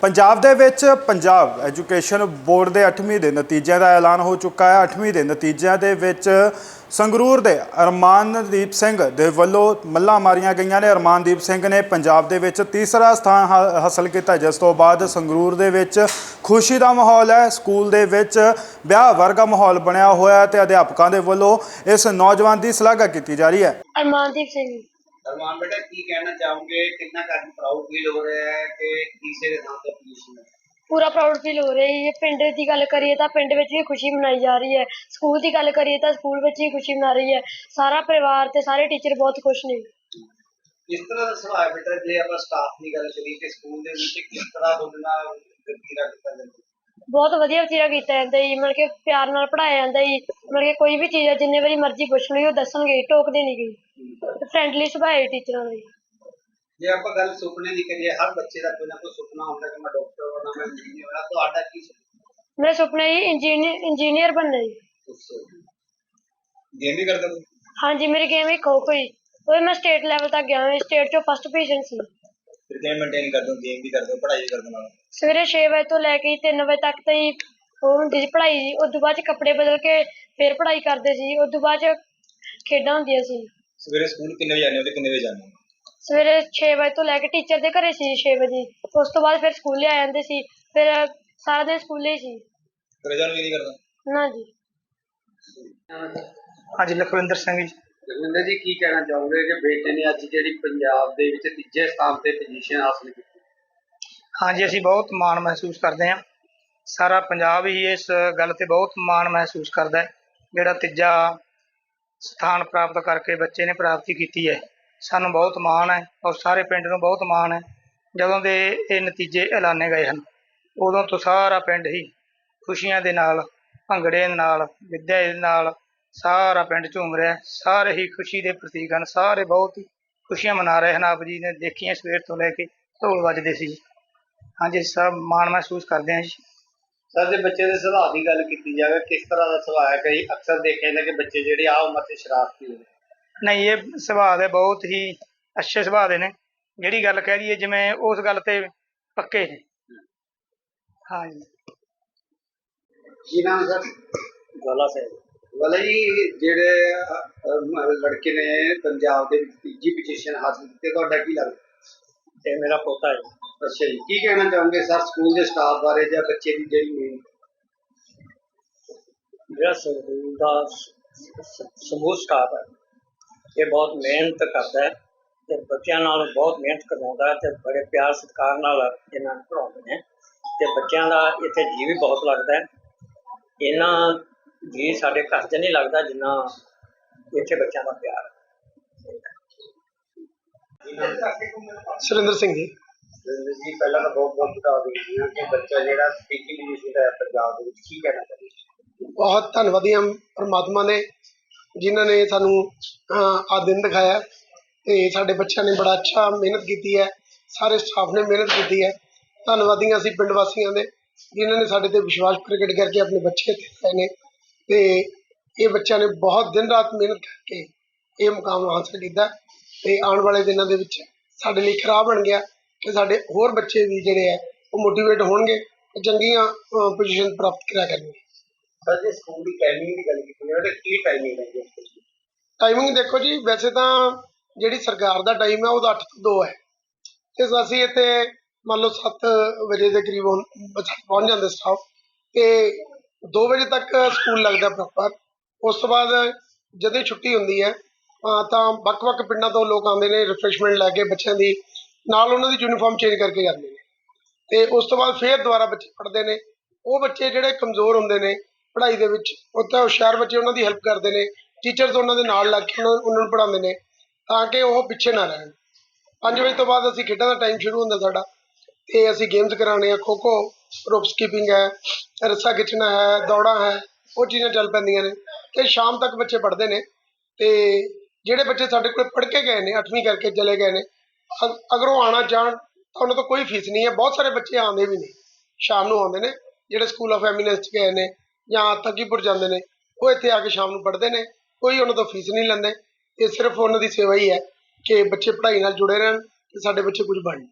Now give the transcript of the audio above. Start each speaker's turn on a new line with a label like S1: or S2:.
S1: ਪੰਜਾਬ ਦੇ ਵਿੱਚ Punjab education board ਦੇ 8ਵੀਂ ਦੇ ਨਤੀਜਿਆਂ ਦਾ ਐਲਾਨ ਹੋ ਚੁੱਕਾ ਹੈ। 8ਵੀਂ ਦੇ ਨਤੀਜਿਆਂ ਦੇ ਵਿੱਚ ਸੰਗਰੂਰ ਦੇ ਅਰਮਾਨਦੀਪ ਸਿੰਘ ਦੇ ਵੱਲੋਂ ਮੱਲਾਂ ਮਾਰੀਆਂ ਗਈਆਂ ਨੇ। ਅਰਮਾਨਦੀਪ ਸਿੰਘ ਨੇ ਪੰਜਾਬ ਦੇ ਵਿੱਚ ਤੀਸਰਾ ਸਥਾਨ ਹਾਸਲ ਕੀਤਾ, ਜਿਸ ਤੋਂ ਬਾਅਦ ਸੰਗਰੂਰ ਦੇ ਵਿੱਚ ਖੁਸ਼ੀ ਦਾ ਮਾਹੌਲ ਹੈ। ਸਕੂਲ ਦੇ ਵਿੱਚ ਵਿਆਹ ਵਰਗਾ ਮਾਹੌਲ ਬਣਿਆ ਹੋਇਆ ਹੈ ਤੇ ਅਧਿਆਪਕਾਂ ਦੇ ਵੱਲੋਂ ਇਸ ਨੌਜਵਾਨ ਦੀ ਸ਼ਲਾਘਾ ਕੀਤੀ ਜਾ ਰਹੀ ਹੈ।
S2: अरमानदीप सिंह
S3: अरमान बेटा की कहना चाहोगे, कितना प्राउड फील हो रहा है कि तीसरे नाम पर पोजीशन है?
S2: पूरा प्राउड फील हो रहा है। ये पिंड की गल करिए तो पिंड में भी खुशी मनाई जा रही है, स्कूल की गल करिए तो स्कूल में भी खुशी मना रही है। सारा परिवार ते सारे टीचर बहुत खुश ने।
S3: किस तरह का सुभाव है बेटा जे आप स्टाफ की गल करिए कि स्कूल दे विच किस तरह बोलना वतीरा किया जाता है?
S2: बहुत वधिया वतीरा किया जाता है, मतलब कि प्यार नाल पढ़ाया जाता है। मतलब कि कोई भी चीज़ है जिन्ने बारी मर्जी पुछ लो वो दसणगे, टोकदे नहीं गई। फ्रेंडली सुभाव है टीचरां दा।
S3: जे आप गल सुपने की करिए, हर बच्चे का कोई ना कोई सुपना होता है कि मैं डॉक्टर होना, मैं इंजीनियर होना। तो आटा की सुपना?
S2: मेरा सुपना जी इंजीनियर बनना जी।
S3: गेम भी करते हो?
S2: हाँ जी, मेरी गेम ही खो खो ही, और मैं स्टेट लैवल तक गया, स्टेट चो फर्स्ट पोजीशन सी।
S3: फिर गेम मेंटेन करते हो, गेम भी करते हो, पढ़ाई भी करते हो?
S2: सवेरे 6 बजे तो लैके 3 बजे तक तो ही वो होंदी सी पढ़ाई। उस तो बाद कपड़े बदल के फिर पढ़ाई करते सी। उस तो बाद खेडां होंदियां सी।
S3: सवेरे स्कूल कितने बजे आने हो ते कितने बजे जाने हो?
S2: सवेरे 6 बजे तो लैके टीचर दे घरे सी 6 बजे। उस तो बाद फिर स्कूले आ जांदे सी, फिर सारा दिन स्कूले ही सी।
S3: घरे जाने भी नहीं करता?
S2: ना जी।
S4: हाँ जी, लखविंदर सिंह जी।
S3: रविंदर जी की कहना चाहोगे कि बेटे ने अज जी पंजाब दे विच तीजे स्थान ते पोजीशन हासिल की?
S4: हाँ जी, असीं बहुत माण महसूस करते हैं। सारा पंजाब ही इस गल ते बहुत माण महसूस करता है, जिहड़ा तीजा स्थान प्राप्त करके बच्चे ने प्राप्ति की है। सानूं बहुत माण है और सारे पिंड नूं बहुत माण है। जदों दे ये नतीजे ऐलाने गए हैं उदों तो सारा पिंड ही खुशियां दे नाल, भंगड़े दे नाल, विद्या दे नाल सारा पिंड झूम रहा है। सारे ही खुशी के प्रतीक हैं, सारे बहुत ही खुशियां मना रहे हैं। आप जी ने देखिए सवेर तो लैके ढोल वजदे सी। हाँ जी, सब माण महसूस करते हैं जी।
S3: सर जे बच्चे के सुभाव की गल की जाए, किस तरह का सुभाव है? कई अक्सर देखे जाते कि बच्चे जिहड़े आ उम्र ते शरारती होंदे?
S4: नहीं, ये सुभाव है बहुत ही अच्छे सुभाव दे ने। जिहड़ी गल कह दईए जिवें उस गल ते पक्के ने। हाँ जी।
S3: की नाम सर?
S4: गला से
S3: वाला जी जिहड़े लड़के ने पंजाब के तीजी पोजीशन हासिल की, तुहाडा की लगदा?
S4: ये मेरा पोता है।
S3: अच्छा जी, की कहना चाहोगे सर स्कूल के स्टाफ बारे या बच्चे की जिहड़ी मेन?
S5: ਜਿਹੜਾ ਸਕੂਲ ਦਾ ਸਮੂਹ ਸਟਾਫ ਹੈ ਇਹ ਬਹੁਤ ਮਿਹਨਤ ਕਰਦਾ ਹੈ ਤੇ ਬੱਚਿਆਂ ਨਾਲ ਬਹੁਤ ਮਿਹਨਤ ਕਰਵਾਉਂਦਾ ਹੈ ਤੇ ਬੜੇ ਪਿਆਰ ਸਤਿਕਾਰ ਨਾਲ ਇਹਨਾਂ ਨੂੰ ਪੜ੍ਹਾਉਂਦੇ ਨੇ ਤੇ ਬੱਚਿਆਂ ਦਾ ਇੱਥੇ ਜੀ ਵੀ ਬਹੁਤ ਲੱਗਦਾ ਹੈ। ਇਹਨਾਂ ਜੀ ਸਾਡੇ ਘਰ 'ਚ ਨਹੀਂ ਲੱਗਦਾ ਜਿੰਨਾ ਇੱਥੇ ਬੱਚਿਆਂ ਦਾ ਪਿਆਰ ਹੈ।
S4: सुरेंद्र सिंह जी।
S3: जी पहला तो बहुत बहुत बता दीजिए कि बच्चा जो तीजी पोजीशन है पंजाब के की कहना चाहिए?
S6: बहुत धन्नवादी हम परमात्मा ने जिन्होंने सानू आ दिन दिखाया ते साडे बच्चों ने बड़ा अच्छा मेहनत की है, सारे स्टाफ ने मेहनत की है। धन्नवादी असीं पिंड वासियों ने जिन्होंने साडे ते विश्वास प्रगट करके अपने बच्चे लाए ने ते ये बच्चों ने बहुत दिन रात मेहनत करके ये मुकाम हासिल किया ते आने वाले दिनों के विच साडे लई खराब बन गया कि साडे होर बच्चे भी जिहड़े है वो मोटिवेट होणगे ते चंगीआं पोजीशन प्राप्त करा करनगे।
S3: सर जी स्कूल की टाइमिंग की गल की जाए की टाइमिंग है?
S6: टाइमिंग देखो जी, वैसे तो जिहड़ी सरकार दा टाइम है वो 8 ਤੋਂ 2 है ते असीं इत्थे मान लो 7 बजे के करीब पहुँच जाते स्टाफ ते 2 बजे तक स्कूल लगता प्रॉपर। उस तो बाद जदों छुट्टी होंदी है तो ਵੱਖ-ਵੱਖ पिंडों तो लोग आते हैं रिफ्रैशमेंट लैके बच्चों की नाल उन्होंने यूनीफॉर्म चेंज करके जाते हैं तो उस तो बाद फिर दोबारा बच्चे पढ़ते हैं। वो बच्चे जोड़े कमज़ोर होंगे ने पढ़ाई के उत्थे हुशियार बच्चे उन्होंने हेल्प करते हैं, टीचर्स उन्होंने नाल लग के उन्होंने पढ़ाते हैं ताकि वो पिछे ना रहन। 5 बजे तो बाद असीं खेडों का टाइम शुरू होंदा साडा ते असीं गेम्स कराने, खो खो, रोप स्कीपिंग है, रस्सा खिंचना है, दौड़ा है, वो चीज़ां चल पैंदियां ने ते शाम तक बच्चे पढ़ते हैं। तो ਜਿਹੜੇ बच्चे साढ़े को पढ़ के गए हैं 8वीं करके चले गए हैं, अगर वो आना चाहन तो उन्होंने तो कोई फीस नहीं है। बहुत सारे बच्चे आते भी नहीं, शाम को आते हैं जोड़े स्कूल ऑफ एमिनेंस गए हैं या तकीपुर जाते हैं, वो इतने आके शाम को पढ़ते हैं, कोई उन्होंने तो फीस नहीं लेंदे। ये सिर्फ उन्होंने सेवा ही है कि बच्चे पढ़ाई नाल जुड़े रहन ते साडे बच्चे कुछ बन।